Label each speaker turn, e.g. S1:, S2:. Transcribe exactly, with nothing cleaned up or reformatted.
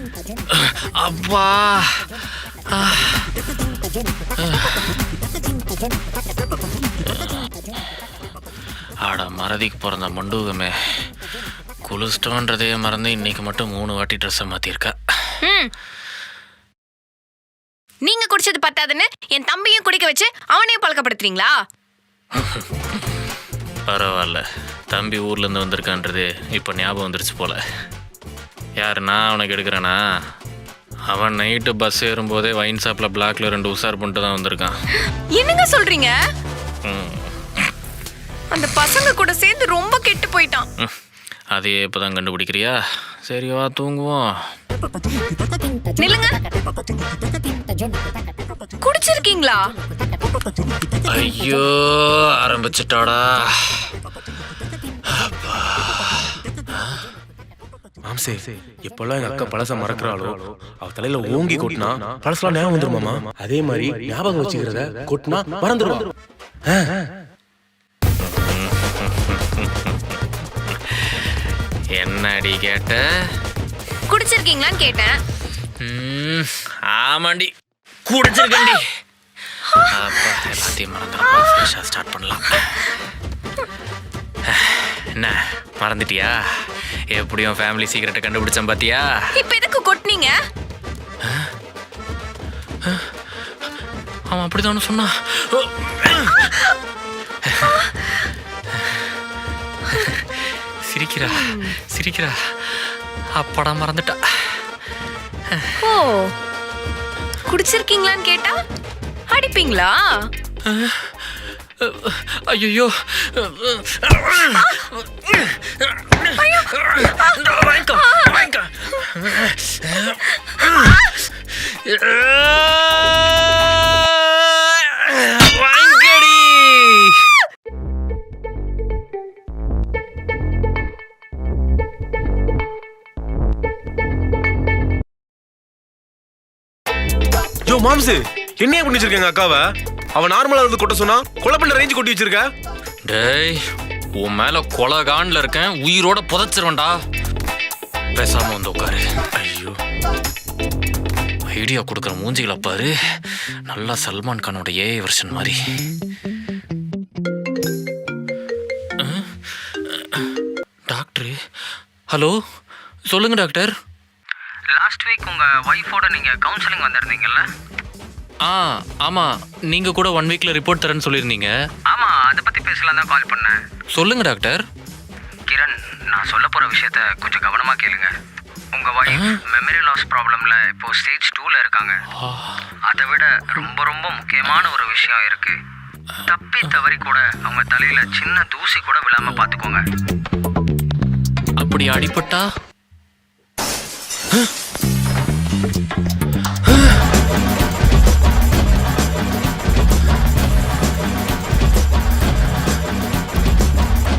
S1: அப்பா ஆட மறதிக்கு பிறந்த மண்டூகமே, குளிச்சிட்டோன்றதே மறந்து இன்னைக்கு மட்டும் மூணு வாட்டி ட்ரெஸ்ஸை மாற்றிருக்கா.
S2: நீங்க குடிச்சது பத்தாதுன்னு என் தம்பியும் குடிக்க வச்சு அவனையும் பழக்கப்படுத்துறீங்களா?
S1: பரவாயில்ல, தம்பி ஊர்லேருந்து வந்திருக்கான்றது இப்போ ஞாபகம் வந்துருச்சு போல. யார் நான் அவனுக்கு எடுக்கிறேனா? அவன் நைட்டு பஸ் ஏறும்போதே வைன் ஷாப்பில் பிளாக்ல ரெண்டு உஷார் பண்ணிட்டு தான் வந்திருக்கான்.
S2: என்னங்க சொல்றீங்க? அந்த பசங்க கூட சேர்ந்து ரொம்ப கெட்டு போயிட்டான்.
S1: அதையே இப்போதான் கண்டுபிடிக்கிறியா? சரி வா தூங்குவோம்.
S2: நில்லுங்க, குடிச்சிருக்கீங்களா?
S1: ஐயோ ஆரம்பிச்சுட்டாடா.
S3: மாம்சே, எப்பெல்லாம் எங்க அக்கா பழச மறக்கிறாளோ அவ தலையில ஓங்கி கொட்டினா பழசெல்லாம் ஞாபகம் வந்துருமாமா. அதே மாதிரி ஞாபகம் வச்சுக்கிறத கொட்டினா மறந்துடுவா.
S1: என்னடி கேட்ட?
S2: குடிச்சிருக்கீங்களான்னு கேட்டேன்.
S1: ஆமாண்டி, குடிச்சிருக்கேன்டி. அப்பா எல்லாத்தையும் மறந்துடுப்பா, ஃப்ரெஷ்ஷாக ஸ்டார்ட் பண்ணலாம். என்ன மறந்துட்டியா? எப்படியும் ஃபேமிலி சீக்கிரட்டை கண்டுபிடிச்சேன் பாத்தியா?
S2: இப்போ எதுக்கு கொட்டினீங்க?
S1: அவன் அப்படிதானே சொன்னான். சிரிக்கிறா சிரிக்கிறா அப்படா மறந்துட்டா.
S2: ஓ, குடிச்சிருக்கீங்களான்னு கேட்டா அடிப்பீங்களா?
S1: ஐயோ வாங்கிக்கோ வாங்கிக்கோ. வாங்கடி.
S3: யோ மாம்சு, என்னைய பண்ணி வச்சிருக்கேங்க அக்காவை? அவன் நார்மலா இருந்து கொட்ட சொன்னா கொலை பண்ண ரேஞ்சு கொட்டி வச்சிருக்க.
S1: டேய், உன் மேல கொலகான்ல இருக்கேன், உயிரோட புதைச்சிருவேன்டா. பேசாம வந்து உட்காரு. ஐயோ, ஐடியா கொடுக்குற மூஞ்சிகளை பாரு, நல்லா சல்மான் கானோட ஏஐ வெர்ஷன் மாதிரி. டாக்டர், ஹலோ சொல்லுங்க டாக்டர்.
S4: லாஸ்ட் வீக் உங்க ஒய்ஃபோட நீங்க கவுன்சிலிங் வந்திருந்தீங்கல்ல?
S1: ஆ ஆமாம், நீங்கள் கூட ஒன் வீக்கில் ரிப்போர்ட் தரேன்னு சொல்லியிருந்தீங்க.
S4: ஆமாம், அதை பற்றி பேசலாம் தான் கால் பண்ணேன்.
S1: சொல்லுங்க டாக்டர்.
S4: கிரண், நான் சொல்ல போகிற விஷயத்த கொஞ்சம் கவனமாக கேளுங்க. உங்கள் ஒய்ஃப் மெமரி லாஸ் ப்ராப்ளமில் இப்போ ஸ்டேஜ் டூவில் இருக்காங்க. அதை விட ரொம்ப ரொம்ப முக்கியமான ஒரு விஷயம் இருக்குது. தப்பி தவறி கூட அவங்க தலையில் சின்ன தூசி கூட விழாமல் பார்த்துக்கோங்க.
S1: அப்படி அடிபட்டா